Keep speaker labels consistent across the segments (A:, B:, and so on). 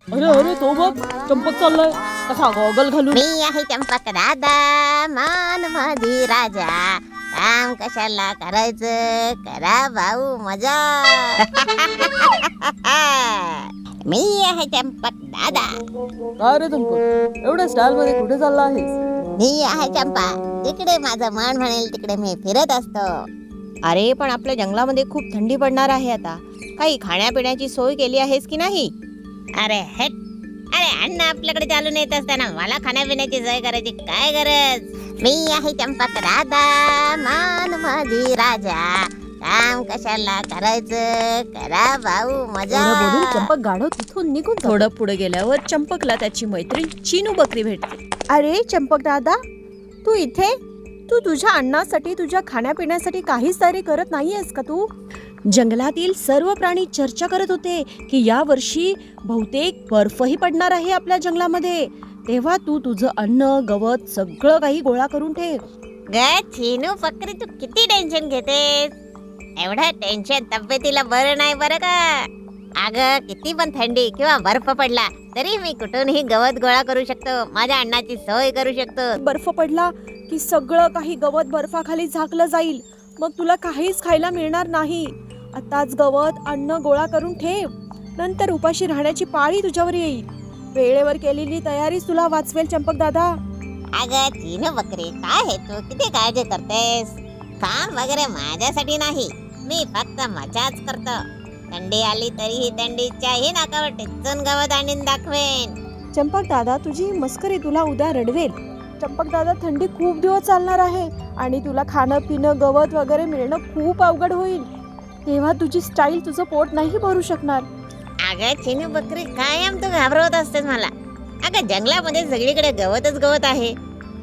A: अरे अरे तो बघ, चंपक चाललाय कसा गॉगल घालून.
B: मी आहे चंपक दादा, मान माझी राजा. काम कशाला करायचं, करा भाऊ मजा. मी आहे चंपक दादा.
A: काय रे चंपक, एवढ्या स्टाईल मध्ये कुठे चालला आहेस?
B: मी आहे चंपा, जिकडे माझं मन म्हणेल तिकडे मी फिरत असतो.
C: अरे पण आपल्या जंगलामध्ये खूप थंडी पडणार आहे आता. काही खाण्यापिण्याची सोय केली आहेस की नाही?
B: अरे हेट, अरे अन्न आपल्याकडे चालून येत असताना मला खाण्यापिण्याची सोय करायची काय गरज. मी आहे चंपक दादा, मान माझी राजा. काम कशाला करायचं, करा भाऊ मजा.
A: एवढं बोलून चंपक गाढव तिथून निघून जातो.
C: थोडं पुढे गेल्यावर चंपकला त्याची मैत्रीण चिनू बकरी भेटते.
A: अरे चंपक दादा, तू इथे? तू तुझ्या अन्नासाठी, तुझ्या खाण्यापिण्यासाठी काहीच तयारी करत नाहीयेस का तू?
C: जंगलातील सर्व प्राणी चर्चा करत होते की या वर्षी बहुतेक बर्फही पडणार आहे आपल्या जंगलामध्ये. तेव्हा तू तुझं अन्न, गवत सगळं काही गोळा करून ठेव.
B: ग चिनू बकरी, तू किती टेन्शन घेतेस? एवढं टेन्शन तब्येतीला बरं नाही बरं का. अगं किती पण थंडी किंवा बर्फ पडला तरी मी कुठूनही गवत गोळा करू शकतो, माझ्या अन्नाची सोय करू शकतो.
A: बर्फ पडला की सगळं काही गवत बर्फाखाली झाकलं जाईल, मग तुला काहीच खायला मिळणार नाही. आताच गवत, अन्न गोळा करून ठेव, नंतर उपाशी राहण्याची पाळी तुझ्यावर येईल. वेळेवर केलेली तयारीच तुला वाचवेल चंपक दादा.
B: अगं चिनू बकरी, काय हे तू किती काळजी करतेस? काम वगैरे माझ्यासाठी नाही, मी फक्त मजाच करतो. थंडी आली तरीही थंडीच्याही नाकावर टिचून गवत आणून दाखवेन.
A: चंपक दादा, तुझी मस्करी तुला उद्या रडवेल. चंपक दादा, थंडी खूप दिवस चालणार आहे आणि तुला खाणं पिणं, गवत वगैरे मिळणं खूप अवघड होईल. तेव्हा तुझी स्टाईल, तुझं पोट नाही भरू शकणार.
B: अगं चिनू बकरी, कायम तू घाबरवत असतेस मला. अगं जंगलामध्ये सगळीकडे गवतच गवत आहे.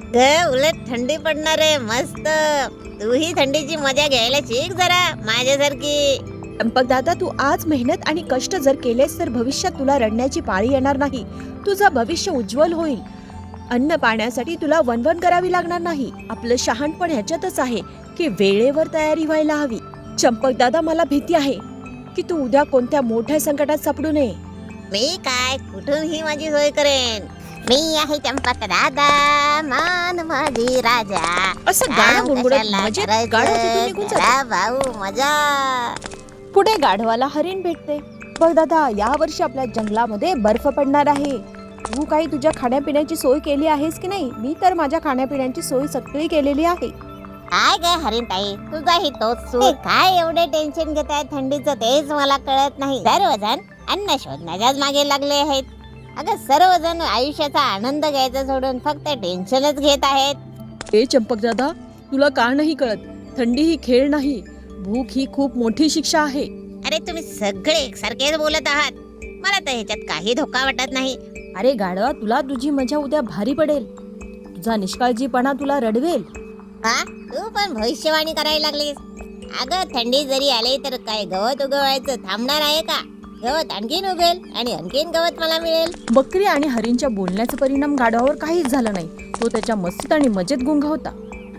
B: उलट थंडी पडणार आहे मस्त. तूही थंडीची मजा घ्यायला शिक जरा माझ्यासारखी.
C: चंपक दादा, तू आज मेहनत आणि कष्ट जर केलेस तर भविष्यात तुला रडण्याची पाळी येणार नाही. तुझं भविष्य उज्ज्वल होईल. अन्न पाण्यासाठी तुला वणवण करावी लागणार नाही. आपलं शहाणपण ह्याच्यातच आहे की वेळेवर तयारी व्हायला हवी. चंपक दादा, मला भीती आहे की तू उद्या कोणत्या मोठ्या संकटात सापडू नये.
B: मी काय कुठूनही माझी सोय करेन. मी आहे चंपक दादा, मान माझी राजा.
C: असं गाणं गुणगुणत मजेत गाढव तिथून निघून जातं.
B: करा भाऊ मजा.
A: पुढे गाढवाला हरिण भेटते. बघ दादा, या वर्षी आपल्या जंगलामध्ये बर्फ पडणार आहे. तू काही तुझ्या खाण्यापिण्याची सोय केली आहेस की नाही? मी तर माझ्या खाण्यापिण्याची सोय सगळी केलेली आहे.
B: काय ग हरिणताई, तुझाही तोच सूर. काय एवढे टेन्शन घेताय थंडीचं तेच मला कळत नाही. सर्वजण अन्न शोधण्याच्याच मागे लागले आहेत. अगं सर्वजण आयुष्याचा आनंद घ्यायचा सोडून फक्त टेन्शनच घेत आहेत.
A: ए चंपक दादा, तुला का नाही कळत? थंडी ही खेळ नाही, भूक ही खूप मोठी शिक्षा आहे.
B: अरे तुम्ही सगळे एकसारखेच बोलत आहात. मला तर ह्याच्यात काही धोका वाटत नाही.
A: अरे गाढवा, तुला तुझी मजा उद्या भारी पडेल. तुझा निष्काळजीपणा तुला रडवेल.
B: हा, तू पण भविष्यवाणी करायला लागलीस. अगं थंडी जरी आली तर काय गवत उगवायचं थांबणार आहे का? गवत आणखीन उगेल आणि आणखीन गवत मला मिळेल.
A: बकरी आणि हरिणच्या बोलण्याचा परिणाम गाढवावर काहीच झाला नाही. तो त्याच्या मस्तीत आणि मजेत गुंगा होता.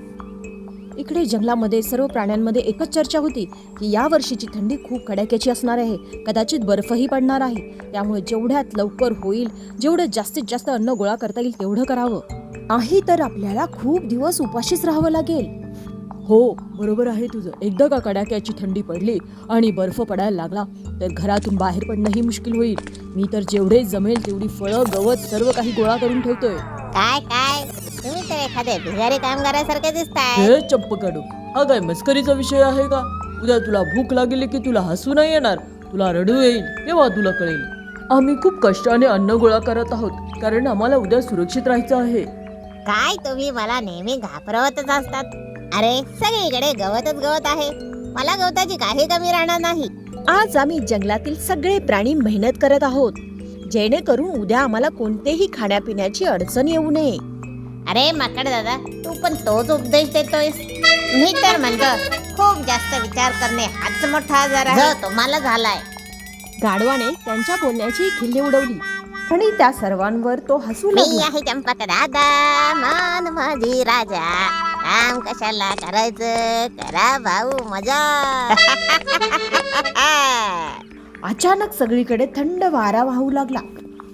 A: इकडे जंगलामध्ये सर्व प्राण्यांमध्ये एकच चर्चा होती की या वर्षीची थंडी खूप कडाक्याची असणार आहे. कदाचित बर्फही पडणार आहे. त्यामुळे जेवढ्यात लवकर होईल, जेवढं जास्तीत जास्त अन्न गोळा करता येईल तेवढं करावं. नाही तर आपल्याला खूप दिवस उपाशीच राहावं लागेल. हो, बरोबर आहे तुझं. एकदा का कडाक्याची थंडी पडली आणि बर्फ पडायला लागला तर घरातून बाहेर पडणंही मुश्किल होईल. मी तर जेवढे जमेल तेवढी फळं, गवत सर्व काही गोळा करून ठेवतोय.
B: काय काय, तुम्ही तर एखाद्या भिकारी कामगारासारखे दिसताय.
A: हे चंपक गाढव, हा काय मस्करीचा विषय आहे का? उद्या तुला भूक लागली की तुला हसू नाही येणार, तुला रडू येईल. तेव्हा तुला कळेल. आम्ही खूप कष्टाने अन्न गोळा करत आहोत कारण आम्हाला उद्या सुरक्षित राहायचं आहे.
B: काय तुम्ही मला नेहमी घाबरवतच असतात. अरे सगळीकडे गवतच गवत आहे. मला गवताची काही कमी राहणार नाही.
C: आज आम्ही जंगलातील सगळे प्राणी मेहनत करत आहोत जेणेकरून उद्या आम्हाला कोणतेही खाण्यापिण्याची अडचण येऊ नये.
B: अरे माकड दादा, तू पण तोच उपदेश देतोयस. मी तर म्हणतो खूप जास्त विचार करणे हाच मोठा आजार आहे जो तुम्हाला झालाय.
A: गाढवाने त्यांच्या बोलण्याची खिल्ली उडवली आणि त्या सर्वांवर तो हसू
B: मी
A: लागला.
B: आहे चंपक दादा, मान माझी राजा. काम कशाला करायचं, करा भाऊ मजा.
A: अचानक सगळीकडे थंड वारा वाहू लागला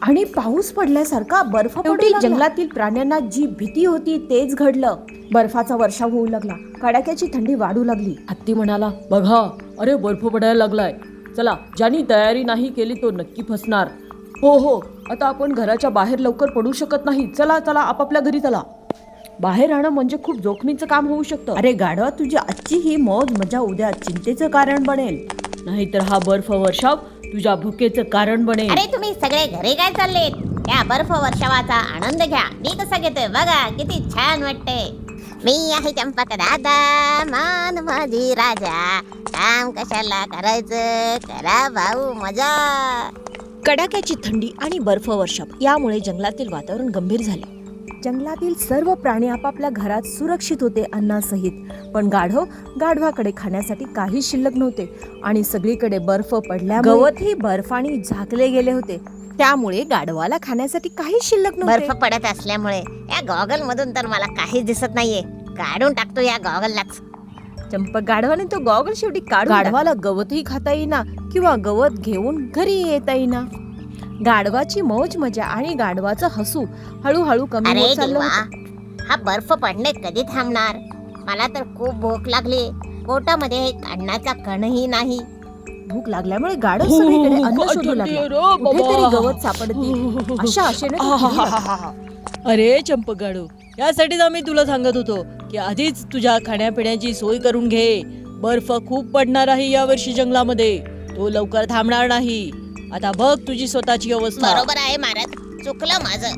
C: आणि पाऊस पडल्यासारखा बर्फ पडू जंगलातील प्राण्यांना जी भीती होती तेच घडलं. बर्फाचा वर्षाव होऊ लागला. कडाक्याची थंडी वाढू लागली.
A: हत्ती म्हणाला, बघा, अरे बर्फ पडायला लागलाय. चला, ज्यानी तयारी नाही केली तो नक्की फसणार. हो, आता आपण घराच्या बाहेर लवकर पडू शकत नाही. चला चला, आपापल्या घरी चला. बाहेर राहणं म्हणजे खूप जोखमीचं काम होऊ शकतं.
C: अरे गाढवा, तुझी आजची ही मौज मजा उद्या चिंतेचं कारण बनेल.
A: नाहीतर हा बर्फ वर्षाव तुझ्या भुकेचं कारण बनेल.
B: अरे तुम्ही सगळे घरी काय चाललेत? या बर्फ वर्षावाचा आनंद घ्या. मी कसा घेतोय बघा, किती छान वाटते. मी आहे चंपक दादा, मान माझी राजा. काम कशाला करायचं, करा भाऊ मजा.
C: कडाक्याची थंडी आणि बर्फ वर्षाव यामुळे जंगलातील वातावरण गंभीर झाले. जंगलातील सर्व प्राणी आपापल्या घरात सुरक्षित होते अन्नासहित. पण गाढवाकडे खाण्यासाठी काही शिल्लक नव्हते आणि सगळीकडे बर्फ पडल्यामुळे गवतही बर्फाने झाकले गेले होते. त्यामुळे गाढवाला खाण्यासाठी काही शिल्लक नव्हते.
B: बर्फ पडत असल्यामुळे या गॉगल मधून तर मला काहीच दिसत नाहीये. काढून टाकतो या गॉगललाच.
C: चंपक गाढवाने तो गॉगल शेवटी काढून
A: गाढवाला गवतही खाता येईना किंवा गवत घेऊन घरी येता येईना.
C: गाढवाची मौज मजा आणि गाढवाचं हसू हळूहळू कमी
B: अरे
C: होत चाललं
B: देवा,
C: होतं.
B: हा बर्फ पडणे कधी थांबणार? मला तर खूप भूक लागली. पोटामध्ये अन्नाचा कणही नाही.
C: भूक लागल्यामुळे गाढव सगळीकडे अन्न शोधू लागला. कुठेतरी गवत सापडतील अशा आशेने तो फिरू लागला.
A: अरे चंपकगाडू, यासाठीच आम्ही तुला सांगत होतो की आधीच तुझ्या खाण्यापिण्याची सोय करून घे. बर्फ खूप पडणार आहे यावर्षी जंगलामध्ये. तो लवकर थांबणार नाही. आता बघ तुझी स्वतःची अवस्था.
B: बरोबर आहे महाराज, चुकलं माझं.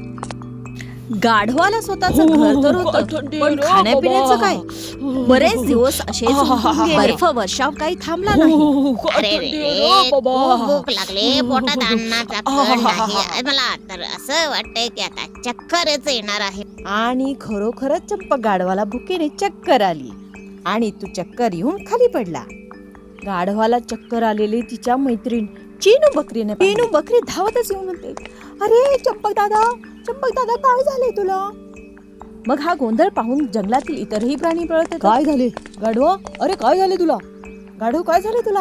C: गाढवाला स्वतःचं घर तर होतं, पण खाण्यापिण्याचं काय? बरेच दिवस असेच उलटून गेले. बर्फ वर्षाव काही थांबला नाही.
B: अरे रे, खूप भूक लागली. पोटात अन्नाचा कण नाही. मला तर असं वाटतंय की आता चक्करच येणार आहे.
C: आणि खरोखरच चंपक गाढवाला भुकेने चक्कर आली आणि तू चक्कर येऊन खाली पडला. गाढवाला चक्कर आलेली तिच्या मैत्रीण चिनू बकरीने चिनू बकरी धावतच येऊन म्हणते, अरे चंपक दादा काय झाले तुला? मग हा गोंधळ पाहून जंगलातील इतरही प्राणी पळत येतात.
A: काय झाले गाढवा? अरे काय झाले तुला?
C: गाढव काय झाले तुला?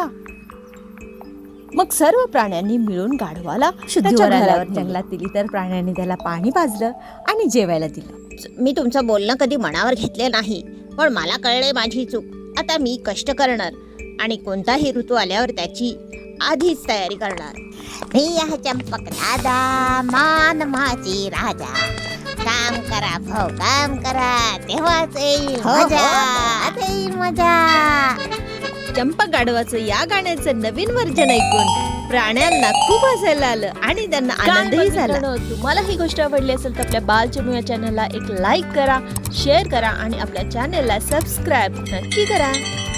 C: मग सर्व प्राण्यांनी मिळून गाढवाला
A: शुद्धीवर
C: त्याच्या
A: आल्यावर
C: घरावर जंगलातील इतर प्राण्यांनी त्याला पाणी पाजलं आणि जेवायला दिलं.
B: मी तुमचं बोलणं कधी मनावर घेतले नाही, पण मला कळले माझी चूक. आता मी कष्ट करणार आणि कोणताही ऋतू आल्यावर त्याची आधीच तयारी करणार. मी आहे चंपक दादा, मान माझी राजा. काम करा भाऊ, काम करा, तेव्हाच येईल मजा. आता येईल मजा.
C: चंपक गाढवाचं या गाण्याचं नवीन व्हर्जन ऐकून प्राण्यांना खूप हसायला आलं आणि त्यांना आनंदही झाला. तुम्हाला ही गोष्ट आवडली असेल तर आपल्या बाल चिनू या चॅनलला एक लाईक करा, शेअर करा आणि आपल्या चॅनलला सबस्क्राईब नक्की करा.